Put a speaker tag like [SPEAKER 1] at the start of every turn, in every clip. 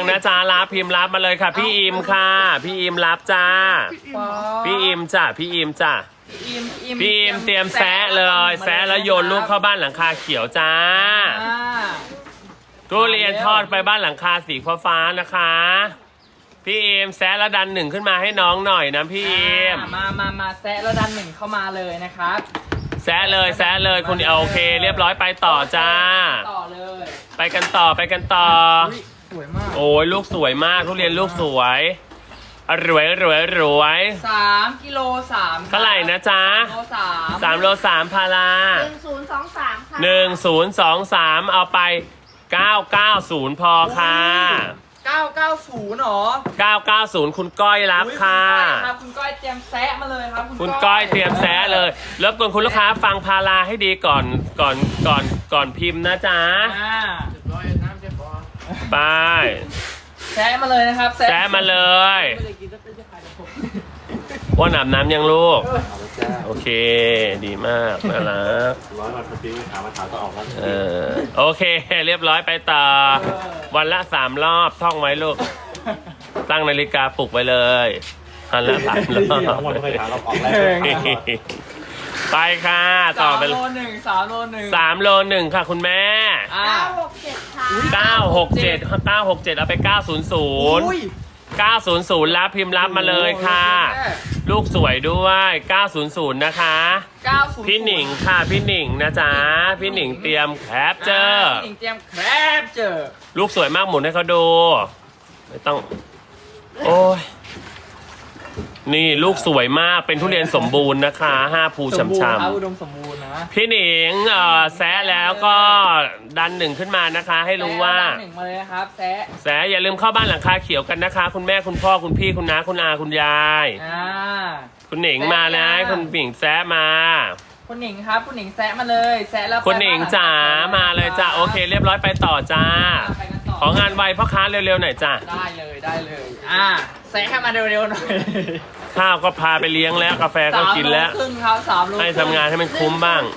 [SPEAKER 1] นะจ๊ะรับพิมพ์รับมาเลยค่ะพี่อิมค่ะพี่อิมรับจ้าพี่อิมจ้ะพี่อิมจ้ะพี่อิมเตรียมแซะเลยแซะแล้วโยนลูกเข้าบ้านหลังคาเขียวจ้าทุเรียนทอดไปบ้านหลังคาสีฟ้าๆนะคะพี่อิมแซะแล้วดันหนึ่งขึ้นมาให้น้องหน่อยนะพี่อิม
[SPEAKER 2] มาแซะแล้วดันหนึ่งเข้ามาเลยนะครับ
[SPEAKER 1] แซะเลยคุณโอเคเรียบร้อยไปต่อจ้า
[SPEAKER 2] ต่อเลย
[SPEAKER 1] ไปกันต่อ
[SPEAKER 2] สวยมาก
[SPEAKER 1] โอ้ยลูกสวยมากทุเรียนลูกสวยรวย
[SPEAKER 2] 3 กิโล 3
[SPEAKER 1] เท่าไหร่นะจ๊ะ3 โล 3พารา
[SPEAKER 3] 1023ค่ะ
[SPEAKER 1] 1023เอาไป990พอค่ะ
[SPEAKER 2] 990หรอ
[SPEAKER 1] 990คุณก้อยรับค่ะ
[SPEAKER 2] คุณก้อยเตรียมแซะมาเลยครับ
[SPEAKER 1] คุณก้อยเตรียมแซะเลยรบกวนคุณลูกค้าฟังพาราให้ดีก่อนพิมพ์นะจ๊ะไป
[SPEAKER 2] แซะมาเลยนะครับ
[SPEAKER 1] แซะมาเลยว่าอาบน้ำยังลูกโอเคดีมากน่ารัก
[SPEAKER 4] 100 วันพอดีถามมาถามก็ออกแล้ว
[SPEAKER 1] โอเคเรียบร้อยไปต่อวันละ3 รอบท่องไว้ลูกตั้งนาฬิกาปลุกไว้เลยวันละ3 รอบ
[SPEAKER 4] วันไม่ถามเราออกแล้ว
[SPEAKER 1] ไปค่ะต่อไป
[SPEAKER 2] 3 โล 1 3 โล 1
[SPEAKER 1] 3 โล 1ค่ะคุณแม่
[SPEAKER 3] 967ค่ะ
[SPEAKER 1] 967เอาไป900รับพิมพ์รับมาเลยค่ะลูกสวยด้วย900นะคะพี่หนิงค่ะพี่หนิงนะจ๊ะพี่หนิงเตรียมแคปเจอร์
[SPEAKER 2] พี่หนิงเตรียมแคปเจอร์
[SPEAKER 1] ลูกสวยมากหมุนให้เขาดูไม่ต้องโอ้ยนี่ลูกสวยมากเป็นทุเรียนสมบูรณ์นะคะ5 ภูฉ่ำ
[SPEAKER 2] ๆอุดมสมบูรณ์นะ
[SPEAKER 1] พี่หนิงแซะแล้วก็ดันหนึ่งขึ้นมานะคะให้รู้ว่า
[SPEAKER 2] ดันหนึ่งมาเลยนะครับแซะ
[SPEAKER 1] อย่าลืมเข้าบ้านหลังคาเขียวกันนะคะคุณแม่คุณพ่อคุณพี่คุณน้าคุณอาคุณยายคุณหนิงมานะคุณหนิงแซะมา
[SPEAKER 2] คุณหนิงครับคุณหนิงแซะมาเลยแซะแล้ว
[SPEAKER 1] คุณหนิงจ๋ามาเลยจ้าโอเคเรียบร้อยไปต่อจ้าของงานไวพ่อค้าเร็วๆหน่อยจ้า
[SPEAKER 2] ได้เลยแซะให้มาเร็วๆหน่อย
[SPEAKER 1] ข้าวก็พาไปเลี้ยงแล้วกาแฟก็กินแล้ว
[SPEAKER 2] 3 โลครึ่งครับ3 โล
[SPEAKER 1] ให้ทำงานให้มันคุ้มบ้าง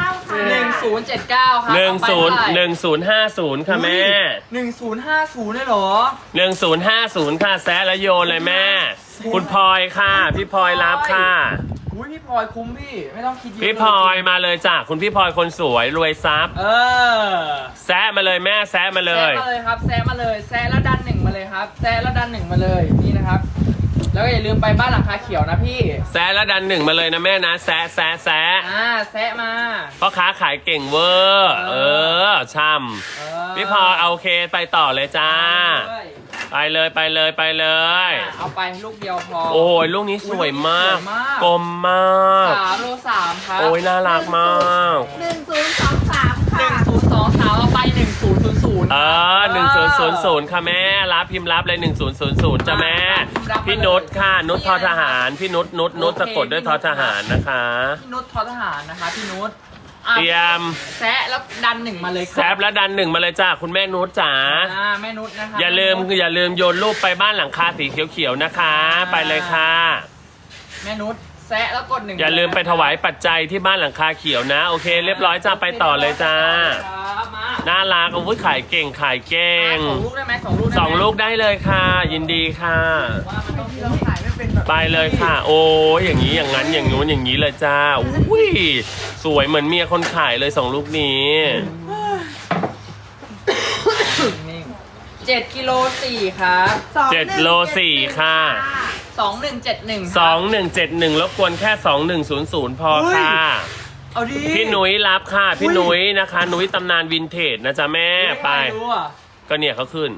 [SPEAKER 2] 1079ครับ
[SPEAKER 1] 1050ค่ะแม่
[SPEAKER 2] 1050ได้หรอ
[SPEAKER 1] 1050ค่ะแซะแล้วโยนเลยแม่คุณพลอยค่ะพี่พลอยรับค่ะ
[SPEAKER 2] พี่พลอยคุ้มพี่ไม่ต้องคิดเยอะ
[SPEAKER 1] พี่พลอยมาเลยจ้ะคุณพี่พลอยคนสวยรวยทรัพย์แซะมาเลยแม่แซะมาเลย
[SPEAKER 2] ครับแซะมาเลยแซะแล้วดันหนึ่งมาเลยครับแซะแล้วดันหนึ่งมาเลยนี่นะครับแล้วก็อย่าลืมไปบ้านหลังคาเขียวนะพี่
[SPEAKER 1] แซะแล้วดันหนึ่งมาเลยนะแม่นะแซะแ
[SPEAKER 2] ซะมา
[SPEAKER 1] พ่อค้าขายเก่งเวอร์ช่ำพี่พลอยโอเคไปต่อเลยจ้าไปเลย
[SPEAKER 2] เอาไปลูกเดียวพอ
[SPEAKER 1] โอ้ยลูกนี้สวยมากกลมมาก
[SPEAKER 2] 3 โล 3ครับ
[SPEAKER 1] โอ้ยน่ารักมาก
[SPEAKER 3] 1023ค่ะ
[SPEAKER 2] 1023เอาไป1000
[SPEAKER 1] 1000ค่ะแม่รับพิมพ์รับเลย1000จ้ะแม่พี่นุชค่ะนุชทอทหารพี่นุชสะกดด้วยทอทหารนะคะ
[SPEAKER 2] พี่นุชทอทหารนะคะพี่นุช
[SPEAKER 1] เตรียม
[SPEAKER 2] แซะแล้วดันหนึ่งมาเลย
[SPEAKER 1] แซะแล้วดันหนึ่งมาเลยจ้าคุณแม่นุชจ๋า
[SPEAKER 2] แม่นุชนะคะ
[SPEAKER 1] อย่าลืมโยนรูปไปบ้านหลังคาสีเขียวๆนะคะไปเลยค่ะ
[SPEAKER 2] แม่นุชแซะแล้วกด1
[SPEAKER 1] อย่าลืมไปถวายปัจจัยที่บ้านหลังคาเขียวนะโอเคเรียบร้อยจ้าไปต่อเลยจ้าน่ารักอาวุธขายเก่ง
[SPEAKER 2] 2 ลูกได้ไหม
[SPEAKER 1] 2 ลูกได้เลยค่ะยินดีค่ะไปเลยค่ะโอ้ยอย่างนี้อย่างนั้นอย่างนู้นอย่างนี้เลยจ้าอุ้ยสวยเหมือนเมียคนขายเลย2 ลูกนี้
[SPEAKER 2] 7 กิโล 4ครับ
[SPEAKER 1] 7 โล 4ค่ะ2171รบกวนแค่2100พอค่ะ
[SPEAKER 2] เอาดิ
[SPEAKER 1] พี่นุ้ยรับค่ะพี่นุ้ยนะคะนุ้ยตำนานวินเทจนะจ๊ะแม่ไปก็เนี่ยเขาขึ้น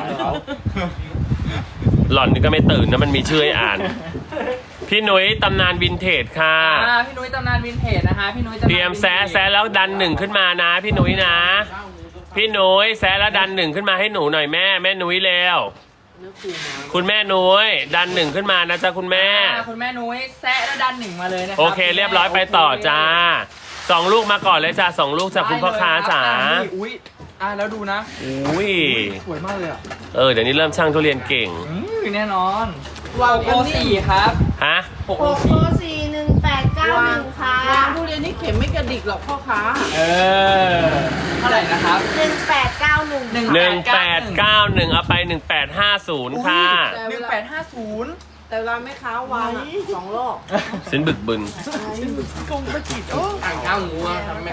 [SPEAKER 1] หล่อนนี่ก็ไม่ตื่นนะมันมีชื่อให้อ่านพี่นุ้ยตำนานวินเทจค่ะ
[SPEAKER 2] พี่นุ้ยตำนานวินเทจนะคะพี่นุ้ย
[SPEAKER 1] เตรียมแซะแล้วดันหนึ่งขึ้นมานะพี่นุ้ยนะพี่นุ้ยแซะแล้วดันหนึ่งขึ้นมาให้หนูหน่อยแม่นุ้ยเร็วคุณแม่นุ้ยดันหนึ่งขึ้นมานะจ๊ะคุณแม่
[SPEAKER 2] นุ้ยแซะแล้วดันหนึ่งมาเลยนะครับ
[SPEAKER 1] โอเคเรียบร้อยไปต่อจ้า2 ลูกมาก่อนเลยจ้า2 ลูกจากคุณพ่อค้าจ๋า
[SPEAKER 2] แล้วดูนะ
[SPEAKER 1] อุ้ย
[SPEAKER 2] สวยมากเลย
[SPEAKER 1] เดี๋ยวนี้เริ่มช่างทุเรียนเก่ง
[SPEAKER 2] แน่นอน6 โล 4ครับ
[SPEAKER 1] ฮะ
[SPEAKER 3] 6 โล 4 189 1,891ค่ะ
[SPEAKER 5] วางทุเรียนนี่เข็มไม่กระดิกหรอกพ่อค้า
[SPEAKER 2] เท่าไหร่นะครับ
[SPEAKER 3] 1891
[SPEAKER 1] 1891เอาไป1850ค่ะ
[SPEAKER 2] 1850
[SPEAKER 5] แต่เวลาแม่ค้าวางอะ2 รอบ
[SPEAKER 1] สินบึกบึน
[SPEAKER 5] กงกระจิตโอ้
[SPEAKER 2] อ่างข้าวหมูอะครับแม่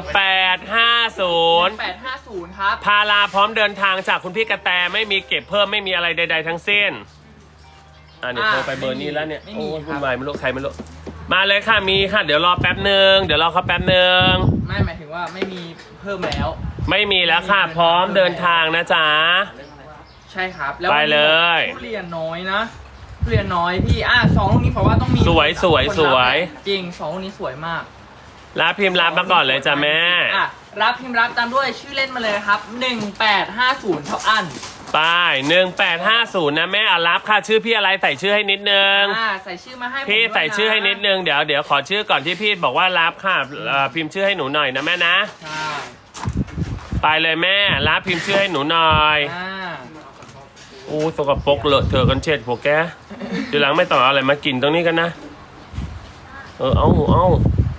[SPEAKER 1] 1850
[SPEAKER 2] 1850ครับ
[SPEAKER 1] พาลาพร้อมเดินทางจากคุณพี่กระแตไม่มีเก็บเพิ่มไม่มีอะไรใดๆทั้งสิ้นเดี๋ยวโทรไปเบอร์นี้แล้วเนี่ย
[SPEAKER 2] ไม่
[SPEAKER 1] โอ้
[SPEAKER 2] มี
[SPEAKER 1] ย
[SPEAKER 2] ค
[SPEAKER 1] วุ่
[SPEAKER 2] รั
[SPEAKER 1] น
[SPEAKER 2] บ
[SPEAKER 1] วายไม่รู้ใครไม่รู้มาเลยค่ะมีค่ะเดี๋ยวรอแป๊บหนึ่งเดี๋ยวรอเขาแป๊บหนึ่ง
[SPEAKER 2] ไม่หมายถึงว่าไม่มีเพิ่มแล้ว
[SPEAKER 1] ไม่มีแล้วค่ะพร้อมเดินทางนะจ๊ะ
[SPEAKER 2] ใช่ครับ แล้ว
[SPEAKER 1] ไปเลย
[SPEAKER 2] ทุเรียนน้อยนะทุเรียนน้อยพี่สองลูกนี้ผมว่าต้องมี
[SPEAKER 1] สวยสวย
[SPEAKER 2] คนรับ
[SPEAKER 1] สวย
[SPEAKER 2] จริงสองลูกนี้สวยมาก
[SPEAKER 1] รับพิมพ์รับมาก่อนเลยจ้ะแม่
[SPEAKER 2] รับพิมพ์รับตามด้วยชื่อเล่นมาเลยครับ1850เท่าอัน
[SPEAKER 1] ไป1850นะแม่รับค่ะชื่อพี่อะไรใส่ชื่อให้นิดนึง
[SPEAKER 2] ใส่ชื่อมาให้ผม
[SPEAKER 1] พี่
[SPEAKER 2] ด้วยนะ
[SPEAKER 1] ใส่ชื่อให้นิดนึงเดี๋ยวขอชื่อก่อนที่พี่บอกว่ารับค่ะพิมพ์ชื่อให้หนูหน่อยนะแม่นะ
[SPEAKER 2] ใช่
[SPEAKER 1] ไปเลยแม่รับพิมพ์ชื่อให้หนูหน่อย อู้สกปรกเลอะเธอะกันเช็ดพวกแกทีหลังไม่ต้องเอาอะไรมากินตรงนี้กันนะเอา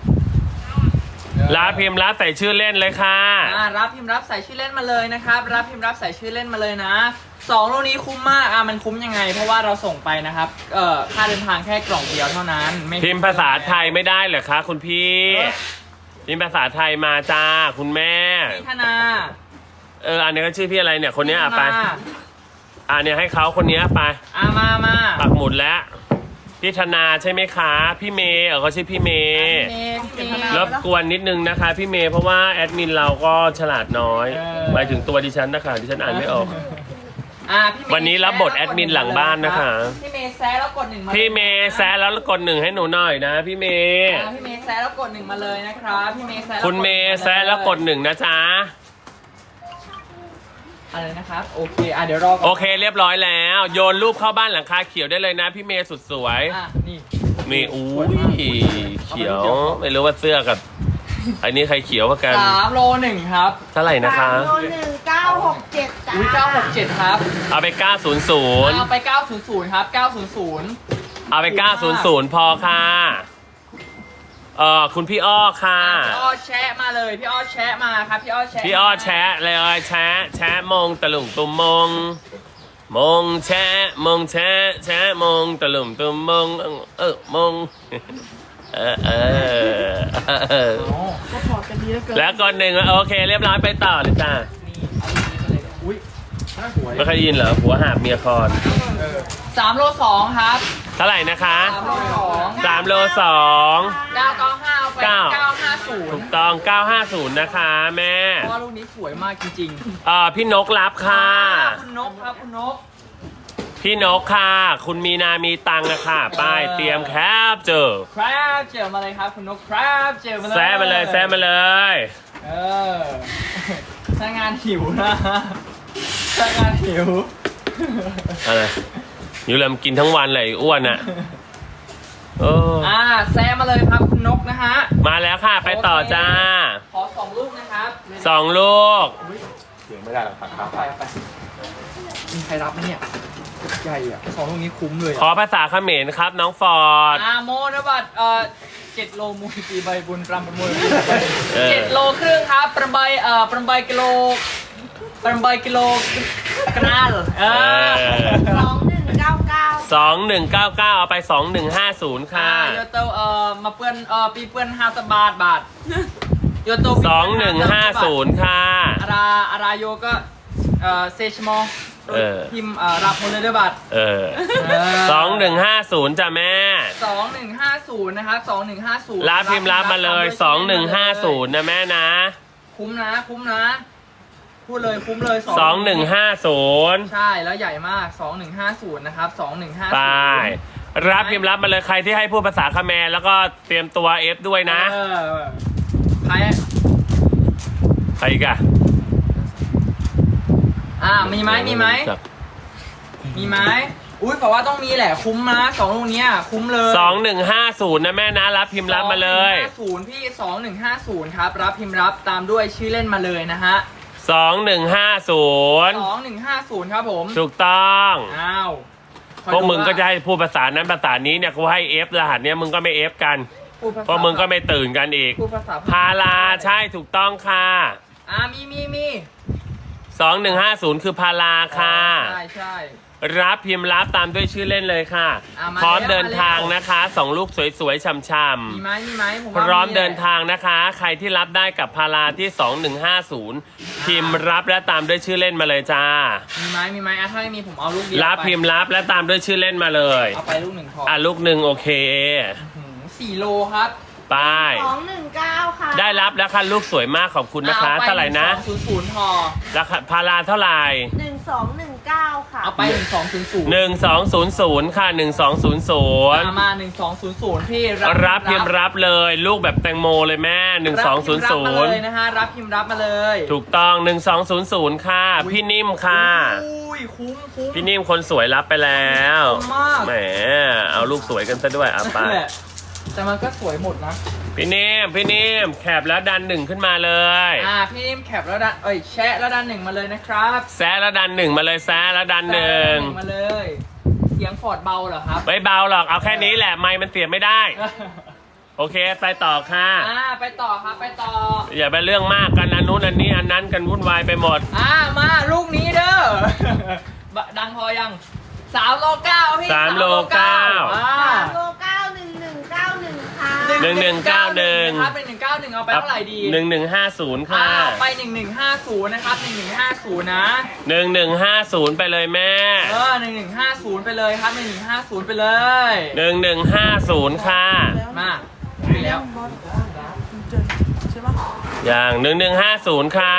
[SPEAKER 1] รับพิมพ์รับใส่ชื่อเล่นเลยค่ะ
[SPEAKER 2] รับพิมพ์รับใส่ชื่อเล่นมาเลยนะครับรับพิมพ์รับใส่ชื่อเล่นมาเลยนะสองลูกนี้คุ้มมากมันคุ้มยังไง เพราะว่าเราส่งไปนะครับค่าเดินทางแค่กล่องเดียวเท่านั้นไ
[SPEAKER 1] พิมพ์ภาษาไทยไม่ได้เหรอคะคุณพี่พิมพ์ภาษาไทยมาจ้าคุณแม่
[SPEAKER 2] พี่ธนา
[SPEAKER 1] อันนี้ก็ชื่อพี่อะไรเนี่ยคนนี้
[SPEAKER 2] พี่ธ
[SPEAKER 1] ไป เนี่ยให้เขาคนนี้ไป
[SPEAKER 2] มา
[SPEAKER 1] ปักหมุดแล้วพี่ธนาใช่ไหมคะพี่เมย์เขาชื่อพี่เมย์
[SPEAKER 2] พี่เมย์
[SPEAKER 1] รบกวนนิดนึงนะคะพี่เมย์เพราะว่าแอดมินเราก็ฉลาดน้อยหมายถึงตัวดิฉันนะคะดิฉันอ่านไม่ออก
[SPEAKER 2] พี่เมย์
[SPEAKER 1] วันนี้รับบทแอดมินหลังบ้านนะคะ
[SPEAKER 2] พี่เมย์แซะแล้วกด1มา
[SPEAKER 1] พี่เมย์แซะแล้วกด1ให้หนูหน่อยนะพี่เมย์
[SPEAKER 2] พี่เมย์แซะแล้วกด1มาเลยนะครับพี่เมย์แซะแล้ว
[SPEAKER 1] คุณเมย์แซะแล้วกด1นะจ๊ะ
[SPEAKER 2] อะไรนะครับโอเคเดี๋ยวรอก่อน
[SPEAKER 1] โอเคเรียบร้อยแล้วโยนรูปเข้าบ้านหลังคาเขียวได้เลยนะพี่เมย์สุดสวย
[SPEAKER 2] นี่
[SPEAKER 1] นี่อู้ยเขียวไม่รู้ว่าเสื้อกับอันนี้ใครเขียวกว่ากัน
[SPEAKER 2] 3 โล 1ครับ
[SPEAKER 1] เท่าไหร่นะคะ
[SPEAKER 3] 3โล1 967จ้า
[SPEAKER 2] อุ้ย967ครับ
[SPEAKER 1] เอาไป900
[SPEAKER 2] เอาไป900ครับ900
[SPEAKER 1] เอาไป900พอค่ะคุณพี่อ้อค่ะ
[SPEAKER 2] พี่อ้อแชะมาเลยพี่อ้อแชะมาครับพี่อ้อแชะ
[SPEAKER 1] พี่อ้อแชะเลยแชะมงตะลุงตุมมงแชะมงตะลุงตุมมงมง
[SPEAKER 5] ก็พอกันดีแล้วเกิน
[SPEAKER 1] แล้วก่อนหนึ่งโอเคเรียบร้อยไปต่อเลยจ้า
[SPEAKER 2] อุ้ยน่าสวย
[SPEAKER 1] ไม่เคยได้ยินเหรอผัวหาบเมียคอน
[SPEAKER 2] 3 โล 2ครับ
[SPEAKER 1] เท่าไหร่นะคะ
[SPEAKER 2] 3 โล 2
[SPEAKER 1] 3 โล 2
[SPEAKER 2] 995เอาไป
[SPEAKER 1] ถูก
[SPEAKER 2] 950
[SPEAKER 1] ต้อง950นะคะแม่
[SPEAKER 2] เพราะว่าลูกนี้สวยมากจริง
[SPEAKER 1] พี่นกรับค่ะ
[SPEAKER 2] คุณนกครับคุณนก
[SPEAKER 1] พี่นกค่ะ คุณมีนามีตังค์นะคะป้ายเตรียมแคปเจอ
[SPEAKER 2] ครับเจอมาเลยครับคุณนกครับเจอมาเลย
[SPEAKER 1] แซะมาเลย
[SPEAKER 2] ถ้างานหิวนะถ้างานหิว
[SPEAKER 1] อะไรอยู่ลำกินทั้งวันเลยอ้วนอ่ะ
[SPEAKER 2] แซะมาเลยครับคุณนกนะฮะ
[SPEAKER 1] มาแล้วค่ะไปต่อจ้า
[SPEAKER 2] ขอ2 ลูกนะครับ
[SPEAKER 1] 2 ลูก
[SPEAKER 4] เสียงไม่ได้หรอกครับ
[SPEAKER 2] ไปมีใครรับไหมเนี่ยใหญ่อ่ะ2 ลูกนี้คุ้มเลย
[SPEAKER 1] ขอภาษาเขมรครับน้องฟอร์ด
[SPEAKER 2] โมนบัตร7 โลมูลตีใบบุญรำประมวล7 โลครึ่งครับประใบกิโลกรัล
[SPEAKER 3] 2199
[SPEAKER 1] 2199เอาไป2150ค่ะ
[SPEAKER 2] โยโตมาเปื้อนปีเปื้อน50 บาทโยโต
[SPEAKER 1] 2150ค่ะ
[SPEAKER 2] อาราโยก็เซชมอพิมพ์รับหมดเลยด้วยบัตร
[SPEAKER 1] 2150จ้ะแม่
[SPEAKER 2] 2150นะครับ2150
[SPEAKER 1] รับพิมพ์รับมาเลย2150นะแม่นะ
[SPEAKER 2] คุ้มนะพูดเลยคุ้มเลย
[SPEAKER 1] 2150
[SPEAKER 2] ใช่แล้วใหญ่มาก2150นะครับ2150
[SPEAKER 1] ไปรับพิมพ์รับมาเลยใครที่ให้พูดภาษาเขมรแล้วก็เตรียมตัว F ด้วยนะ
[SPEAKER 2] ใคร
[SPEAKER 1] อีกอะ
[SPEAKER 2] มีไหมอุ้ยบอกว่าต้องมีแหละคุ้มนะ2 ลูกเนี้ยคุ้มเลย
[SPEAKER 1] 2150นะแม่นะรับพิมพ์รับมาเลย
[SPEAKER 2] 2150พี่2150ครับรับพิมพ์รับตามด้วยชื่อเล่นมาเลยนะฮะ
[SPEAKER 1] 2150
[SPEAKER 2] 2150ครับผม
[SPEAKER 1] ถูกต้อง
[SPEAKER 2] พ
[SPEAKER 1] พวกมึงก็จะให้พูดภาษานั้นภาษานี้เนี่ยกูให้ F รหัสเนี้ยมึงก็ไม่ F กัน
[SPEAKER 2] พูดภาษา
[SPEAKER 1] เพราะมึงก็ไม่ตื่นกันอีก
[SPEAKER 2] พูดภาษา
[SPEAKER 1] พาราใช่ถูกต้องค่ะ
[SPEAKER 2] มี
[SPEAKER 1] 2150 คือพาราค่ะ
[SPEAKER 2] ใช่
[SPEAKER 1] รับพิมพ์รับตามด้วยชื่อเล่นเลยค่ะ
[SPEAKER 2] มา
[SPEAKER 1] พร้อม
[SPEAKER 2] แล้ว
[SPEAKER 1] เดินทางนะคะ2 ลูกสวยๆช่ำ
[SPEAKER 2] มีไหมผม
[SPEAKER 1] ๆพ
[SPEAKER 2] ว่า
[SPEAKER 1] ร้อม
[SPEAKER 2] แหละ
[SPEAKER 1] เดินทางนะคะ ใครที่รับได้กับพาราที่ 2150 พิมพ์รับและตามด้วยชื่อเล่นมาเลยจ้า
[SPEAKER 2] มีไหมถ้าไม่มีผมเอาลูกเดียว
[SPEAKER 1] รับ
[SPEAKER 2] ไป
[SPEAKER 1] พิมพ์รับและตามด้วยชื่อเล่นมาเลย
[SPEAKER 2] เอาไปลูกหนึ่งพอ
[SPEAKER 1] ลูกหนึ่งโอเค
[SPEAKER 2] 4 โลครับ
[SPEAKER 1] ไป
[SPEAKER 3] 219 ค่ะ
[SPEAKER 1] ได้รับแล้วค่ะลูกสวยมากขอบคุณนะคะ
[SPEAKER 2] อป
[SPEAKER 1] เท่าไหร่นะ
[SPEAKER 2] 1200พอ
[SPEAKER 1] ราคาพาราเท่าไหร่
[SPEAKER 3] 1219 ค่ะ
[SPEAKER 2] เอาไป1200
[SPEAKER 1] 1200 ค่ะ 1200
[SPEAKER 2] มา1200พี่
[SPEAKER 1] รับพิมพ์รับเลย ลูกแบบแตงโมเลยแม่
[SPEAKER 2] รับพิมพ์รับมาเลย
[SPEAKER 1] 1200
[SPEAKER 2] นะฮะรับพิมพ์รับมาเลย
[SPEAKER 1] ถูกต้อง 1200 ค่ะ พี่นิ่มค่ะ
[SPEAKER 2] อุ้ยคุ้ม
[SPEAKER 1] พี่นิ่มคนสวยรับไปแล้ว
[SPEAKER 2] คุ้มมาก
[SPEAKER 1] แหมเอาลูกสวยกันซะด้วยเอาไป
[SPEAKER 2] นั่นแหละแต่มันก็สวยหมดนะ
[SPEAKER 1] พี่นิ่มแคบแล้วดันหนึ่งขึ้นมาเลย
[SPEAKER 2] พี่นิ่มแคปแล้วดันแชะแล้วดันหนึ่งมาเลยนะครับ
[SPEAKER 1] แซะแล้วดันหนึ่งมาเลยแซะแล้วดันหนึ่ง
[SPEAKER 2] มาเลย เสียงฟอร์ดเบาเหรอครับ
[SPEAKER 1] ไม่เบาหรอกเอาแค่นี้แหละไมค์มันเสียบไม่ได้ โอเคไปต่อค่ะ
[SPEAKER 2] ไปต่อครับไปต่อ
[SPEAKER 1] อย่าไปเรื่องมากกันอันนู้นอันนี้อันนั้นกันวุ่นวายไปหมด
[SPEAKER 2] มาลูกนี้เด้อ ดังพอยัง3 โล 9พี่
[SPEAKER 1] 3 โล 9
[SPEAKER 3] 3โล91191 ค่ะ
[SPEAKER 1] 1191
[SPEAKER 2] ครับ1191เอาไปเท่าไหร่ดี
[SPEAKER 1] 1150 ค่ะ
[SPEAKER 2] ไป1150นะครับ1150นะ
[SPEAKER 1] 1150 ไปเลยแม่
[SPEAKER 2] 1150ไปเลยครับ1150ไปเลย
[SPEAKER 1] 1150 ค่ะ
[SPEAKER 2] มาไปแล้ว
[SPEAKER 5] ใช่ปะ
[SPEAKER 1] อย่าง1150 ค่ะ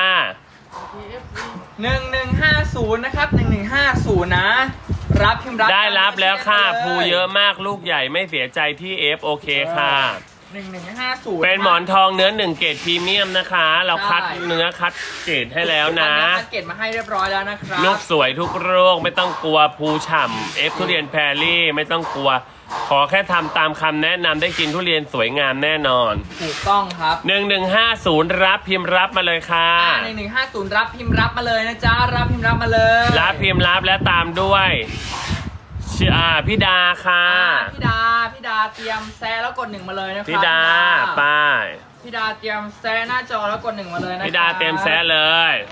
[SPEAKER 2] 1150นะครับ1150นะรับพิมพ์รับ
[SPEAKER 1] ได้รับแล้วค่ะ
[SPEAKER 2] ตาม
[SPEAKER 1] ภู
[SPEAKER 2] ด้วย
[SPEAKER 1] เยอะมากลูกใหญ่ไม่เสียใจที่ F โอเคค่ะ
[SPEAKER 2] 1150
[SPEAKER 1] เป็นหมอนทองเนื้อ1 เกรดพรีเมียมนะคะ เราคัดเนื้อคัดเกรดให้แล้วนะ
[SPEAKER 2] คัดเกตมาให้เรียบร้อยแล้วนะครับ
[SPEAKER 1] ลูกสวยทุกโรคไม่ต้องกลัวภูฉ่ำ F ทุเรียนแพรรี่ไม่ต้องกลัว ขอแค่ทำตามคำแนะนำได้กินทุเรียนสวยงามแน่นอน
[SPEAKER 2] ถูกต้องครับ
[SPEAKER 1] 1150 รับพิมพ์รับมาเลยค่ะ
[SPEAKER 2] 1150รับพิมพ์รับมาเลยนะจ๊ะรับพิมพ์รับมาเลย
[SPEAKER 1] รับพิมพ์รับและตามด้วยพี่ดาค่ะ
[SPEAKER 2] พี่ดาเตรียมแซะแล้วกด1มาเลยนะครับ
[SPEAKER 1] พี่ดาป้าย
[SPEAKER 2] พี่ดาเตรียมแซะหน้าจอแล้วกด1มาเลยนะครับ
[SPEAKER 1] พี่ดาเต็มแซะเลย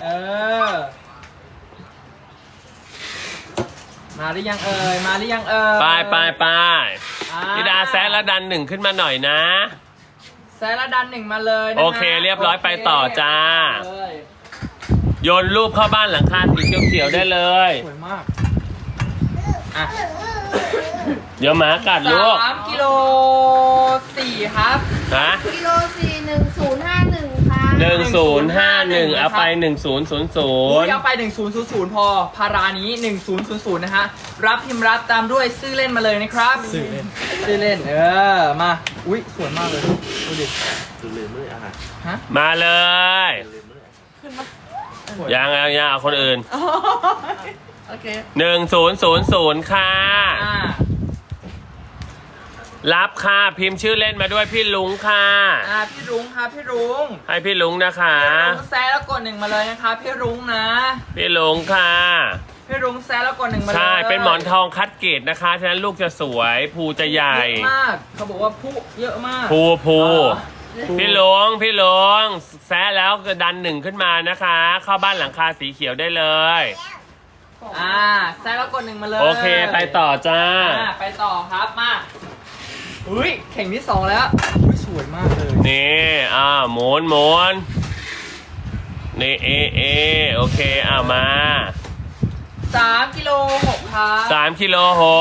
[SPEAKER 2] มาหรือยังเอ่ย
[SPEAKER 1] ไป
[SPEAKER 2] อ่
[SPEAKER 1] พี่ดาแซะแล้วดัน1ขึ้นมาหน่อยนะ
[SPEAKER 2] แซะแล้วดัน1มาเลยนะฮะ
[SPEAKER 1] โอเคเรียบร้อยไปต่อจ้า
[SPEAKER 2] เลย
[SPEAKER 1] โยนรูปเข้าบ้านหลังคาสีเขียวๆได้เลย
[SPEAKER 2] สวยมากอ่ะ
[SPEAKER 1] เดี๋ยวหมากัดลูก
[SPEAKER 2] 3 กิโล 4ครับ
[SPEAKER 1] ฮะ
[SPEAKER 3] กิโล41051 ค่ะ
[SPEAKER 1] 1051 เอาไป
[SPEAKER 2] เอา
[SPEAKER 1] 1000
[SPEAKER 2] ไป1000พอพารานี้1000นะฮะรับพิมพ์รับตามด้วยชื่อเล่นมาเลยนะครับชื่อเล่นมาอุ้ยสวยมากเลยดูดิ
[SPEAKER 4] ลืมไม่ได้อาหาร
[SPEAKER 2] ฮะ
[SPEAKER 1] มาเลย
[SPEAKER 2] สวย
[SPEAKER 1] ยังเอาคนอื่น
[SPEAKER 5] โอเค
[SPEAKER 1] 1000 ค่ะ
[SPEAKER 2] อ่า
[SPEAKER 1] รับค่ะพิมพ์ชื่อเล่นมาด้วยพี่ลุงค่ะ
[SPEAKER 2] พี่รุ้งครับพี่รุ้ง
[SPEAKER 1] ให้พี่ลุงนะคะ
[SPEAKER 2] พี่รุ้งแซะแล้วกด1มาเลยนะครับพี่รุ้งนะ
[SPEAKER 1] พี่ลุงค่ะ
[SPEAKER 2] พี่รุ้งแซะแล้วกด1มาเลย
[SPEAKER 1] ใช่เป็นหมอนทองคัดเกรดนะคะฉะนั้นลูกจะสวยภูจะใหญ่
[SPEAKER 2] เยอะมากเขาบอกว่าผู้เยอะมาก
[SPEAKER 1] ภู
[SPEAKER 2] อ๋อ
[SPEAKER 1] พี่ลงแซะแล้วก็ดัน1ขึ้นมานะคะ เข้าบ้านหลังคาสีเขียวได้เลย
[SPEAKER 2] แซะแล้วกด1มาเลย
[SPEAKER 1] โอเคไปต่อจ้า
[SPEAKER 2] ไปต่อครับมาอุ้ยเข่งที่2แล้วอุ้ยสวยมากเลย
[SPEAKER 1] นี่หมุนนี่โอเคมา
[SPEAKER 2] 3 กิโล 6ครับ
[SPEAKER 1] 3 กิโล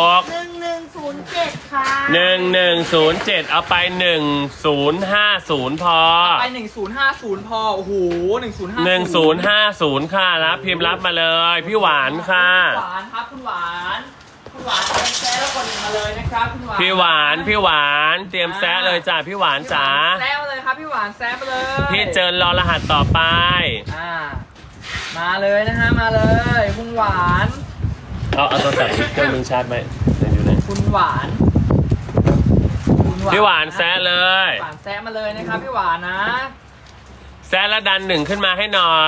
[SPEAKER 3] 1107 ค่ะ
[SPEAKER 1] 6 1107 เอาไป 1050 พอ
[SPEAKER 2] ไป1050พอโอ้โห1050
[SPEAKER 1] 1050 ค่ะรับพิมพ์รับมาเลย พี่หวานค่ะ
[SPEAKER 2] หวานครับคุณหวานแซะแล้วกด1มาเลยนะครับคุณหวาน
[SPEAKER 1] พี่หวานเตรียมแซะเลยจ้าพี่หวานจ๋า
[SPEAKER 2] แซะมาเลยครับพี่หวานแซะมาเลย
[SPEAKER 1] พี่เจิญรอรหัสต่อไป
[SPEAKER 2] มาเลยนะฮะมาเลยคุณหวาน
[SPEAKER 1] เอาโทรศัพท์เครื่องนึงชาร์จไหมอยู่ไหน
[SPEAKER 2] คุณหวาน
[SPEAKER 1] พี่หวานแซะเลย
[SPEAKER 2] หวานแซะมาเลยนะครับพี่หวานนะ
[SPEAKER 1] แซะแล้วดัน1ขึ้นมาให้หน่อย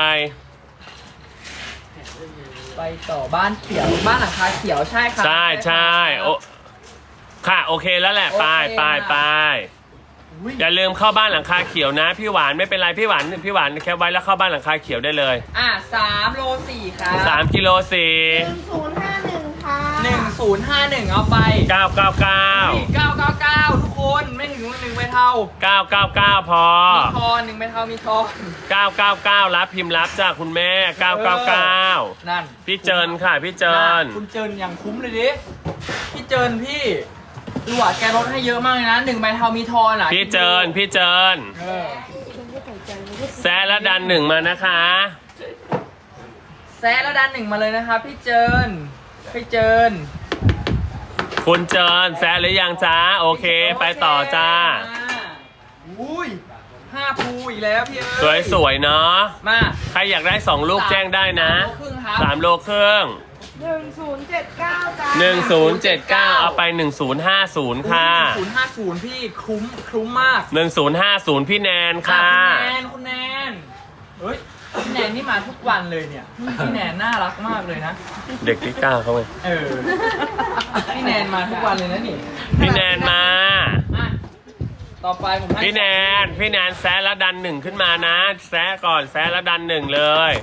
[SPEAKER 2] ไปต่อบ้านเขียวบ้านหลังคาเขียวใช่ครับ
[SPEAKER 1] ใช่โอค่ะโอเคแล้วแหละไปอย่าลืมเข้าบ้านหลังคาเขียวนะพี่หวานไม่เป็นไรพี่หวานแคปไว้แล้วเข้าบ้านหลังคาเขียวได้เลย
[SPEAKER 2] 3 โล 4 ครับ
[SPEAKER 1] 3 กิโล
[SPEAKER 3] 1051 ค่ะ
[SPEAKER 2] 1051 เอาไป
[SPEAKER 1] 4 999
[SPEAKER 2] 999 ทุกคนไม่ถึง1ใบเท่า
[SPEAKER 1] 999 พอ
[SPEAKER 2] มีทอน1ใบเท่ามีทอน
[SPEAKER 1] 999 รับพิมพ์รับจากคุณแม่ 999
[SPEAKER 2] นั่น
[SPEAKER 1] พี่เจินค่ะพี่เจิน
[SPEAKER 2] คุณเจินอย่างคุ้มเลยดิพี่เจินพี่ดูอ่ะแกลดให้เยอะมากเลยนะ1ใบเท่ามีทอนอ่ะ
[SPEAKER 1] พี่เจิน
[SPEAKER 2] เออ
[SPEAKER 1] แซะแล้วดันหนึ่งมานะคะ
[SPEAKER 2] แซะแล้วดัน1มาเลยนะครับพี่เจินพี่เจิน
[SPEAKER 1] คุณเจินแซะหรือยังจ้าโอเคไปต่อจ้า
[SPEAKER 2] อุ้ย5ภูอีกแล้วพี่เอ้ย
[SPEAKER 1] สวยๆเนาะ
[SPEAKER 2] มา
[SPEAKER 1] ใครอยากได้2ลูกแจ้งได้นะ
[SPEAKER 2] 3 โลครึ่งครับ
[SPEAKER 1] 3 โลครึ่ง
[SPEAKER 3] 1079 จ้า
[SPEAKER 1] 1079 เอาไป 1050 ค่ะ
[SPEAKER 2] 050พี่คุ้มมาก
[SPEAKER 1] 1050 พี่แนนค่ะ
[SPEAKER 2] คุณแนนเฮ้ยพี่แนนนี่มาทุกวันเลยเนี่ยพี่แนนน่ารักมากเลยนะ
[SPEAKER 1] เด็กที่9เขาไง
[SPEAKER 2] เออพี่แนนมาทุกวันเลยนะนี่
[SPEAKER 1] พี่แนนมา
[SPEAKER 2] อ่ะต่อไปผมให้
[SPEAKER 1] พี่แนนแซะแล้วดันหนึ่งขึ้นมานะ แซะก่อนแซะแล้วดันหนึ่งเลย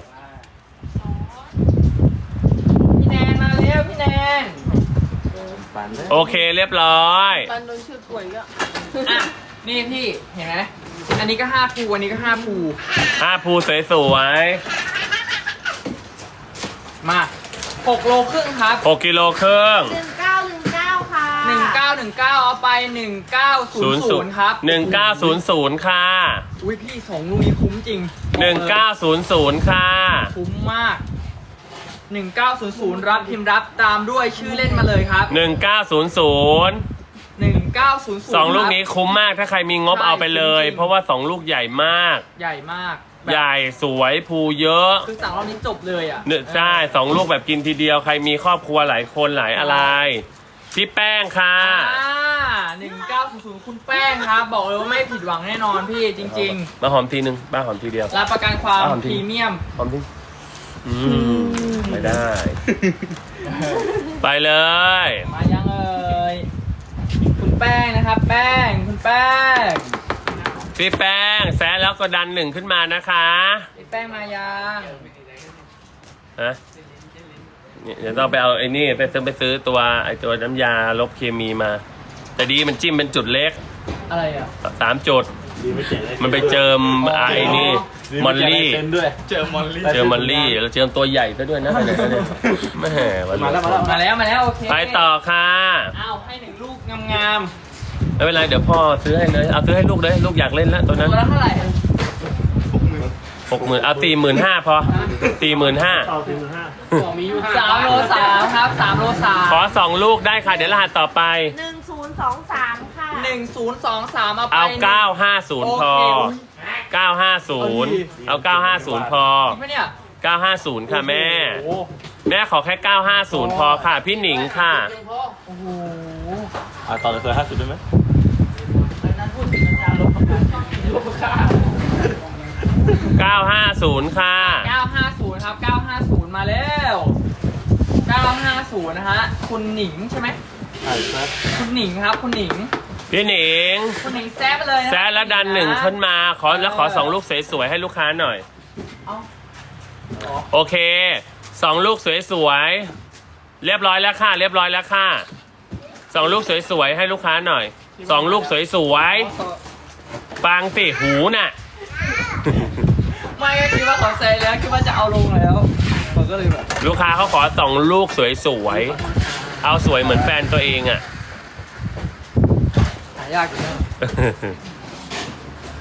[SPEAKER 2] พี่แนนมาเร็วพี่แนน
[SPEAKER 1] โอเคเรียบร้อย
[SPEAKER 5] ปันโดนชื่อป่วยก็
[SPEAKER 2] อ่ะนี่พี่เห็นไหมอันนี้ก็5ภูอันนี้ก็5ภู
[SPEAKER 1] 5 ภูสวย
[SPEAKER 2] มา6 โลครึ่งครับ
[SPEAKER 1] ๆ6 กิโลครึ่ง
[SPEAKER 3] 1919 ค่ะ
[SPEAKER 2] 1919 เอาไป 1900 ครับ
[SPEAKER 1] 1900 ค่ะ
[SPEAKER 2] อุ้ยพี่2ลูกนี้คุ้มจริง
[SPEAKER 1] 1900 ค่ะ
[SPEAKER 2] คุ้มมาก 1900 รับพิมพ์รับตามด้วยชื่อเล่นมาเลยครับ
[SPEAKER 1] 1900
[SPEAKER 2] 1900
[SPEAKER 1] 2 ลูกนี้คุ้มมากถ้าใครมีงบเอาไปเลย เพราะว่า 2 ลูกใหญ่มาก
[SPEAKER 2] ใหญ่มากแบบ
[SPEAKER 1] ใหญ่สวยภูเยอะ
[SPEAKER 2] คือสั่งรอบนี้จบเลยอ่ะ
[SPEAKER 1] เนี่ยใช่2 ลูกแบบกินทีเดียวใครมีครอบครัวหลายคนหลายอะไร พี่แป้งค่ะ
[SPEAKER 2] 1900 คุณแป้งครับ บอกเลยว่าไม่ผิดหวังแน่นอนพี่จริง
[SPEAKER 1] มาหอมทีนึงบ้าหอมทีเดียว
[SPEAKER 2] ๆ รับประกันความ
[SPEAKER 1] หอม
[SPEAKER 2] พ
[SPEAKER 1] ที
[SPEAKER 2] รีเมียม
[SPEAKER 1] หอมทีไม่ได้ ไปเลย
[SPEAKER 2] มายังเอ่ยคุณแป้งนะครับ แป้งคุณแป้ง
[SPEAKER 1] พี่แป้งแซะแล้วก็ดันหนึ่งขึ้นมานะคะ
[SPEAKER 2] พี่แป้งมายัง
[SPEAKER 1] ฮะเนี่ยเดี๋ยวต้องไปเอาไอ้นี่ไปซื้อตัวไอ้ตัวน้ำยาลบเคมีมา แต่ดีมันจิ้มเป็นจุดเล็ก
[SPEAKER 2] อะไรอ่ะ
[SPEAKER 1] 3 จุด
[SPEAKER 4] ดีไม่เจ๋งเลย
[SPEAKER 1] มันไปเจิมไอ้นี่มอลลี่
[SPEAKER 4] เซ็นด้วย
[SPEAKER 2] เจอมอลลี่
[SPEAKER 1] เจอมอลลี่แล้วเจอตัวใหญ่ซะด้วยนะแม่วัน
[SPEAKER 4] มาแล้วมาแล้ว
[SPEAKER 2] มาแล้วโอเค
[SPEAKER 1] ไปต่อค่ะ
[SPEAKER 2] อ้าวให้1 ลูกงาม
[SPEAKER 1] ไม่เป็นไรเดี๋ยวพ่อซื้อให้เลยเอาซื้อให้ลูกเลยลูกอยากเล่นแล้วตัว
[SPEAKER 2] ๆ
[SPEAKER 1] นั้น
[SPEAKER 2] ตัวละเท่าไหร่
[SPEAKER 1] 60,000เอา45,000พอ45,000
[SPEAKER 4] ต่อถึง5
[SPEAKER 5] มีอยู่
[SPEAKER 2] 3 โล 3 ครับ 3 โล 3
[SPEAKER 1] ขอ2 ลูกได้ค่ะเดี๋ยวรหัสต่อไป
[SPEAKER 3] 1023 ค่ะ
[SPEAKER 2] 1023 เอาไป
[SPEAKER 1] เอา
[SPEAKER 2] โอ
[SPEAKER 1] 950 พอ
[SPEAKER 2] เค
[SPEAKER 1] 950 เอา 950 พอ
[SPEAKER 2] จริงปะเนี่ย
[SPEAKER 1] 950 ค่ะแม่
[SPEAKER 2] โอ้
[SPEAKER 1] แม่ขอแค่ 950 พอค่ะ พี่หนิงค่ะ
[SPEAKER 2] โอ้โห
[SPEAKER 4] ต่อเลย50ได้ไหม
[SPEAKER 1] 950 ค่ะ
[SPEAKER 2] 950 ครับ 950 มาแล้ว 950 นะฮะ คุณหนิงใช่ไหม
[SPEAKER 4] ใช่ครับ
[SPEAKER 2] คุณหนิงครับ คุณหนิง
[SPEAKER 1] พี่หนิง
[SPEAKER 2] คุณหนิงแซ่บไปเลยนะ
[SPEAKER 1] แซะแล้วดันหนึ่งขึ้นมาขอ2 ลูกสวยๆให้ลูกค้าหน่อย
[SPEAKER 2] เอ้า
[SPEAKER 1] โอเค 2 ลูกสวยๆ เรียบร้อยแล้วค่ะ เรียบร้อยแล้วค่ะ 2 ลูกสวยๆ ให้ลูกค้าหน่อย 2 ลูกสวยๆ ฟังสิหูน่ะ
[SPEAKER 2] ไม่ก็คิดว่าเขาเซแล้วคิดว่าจะเอาลงแล้วผมก็เลยแบบ
[SPEAKER 1] ลูกค้าเขาขอ2 ลูกสวยๆ เอาสวยเหมือนแฟนตัวเองอ่ะ
[SPEAKER 2] หายากอยู่นะ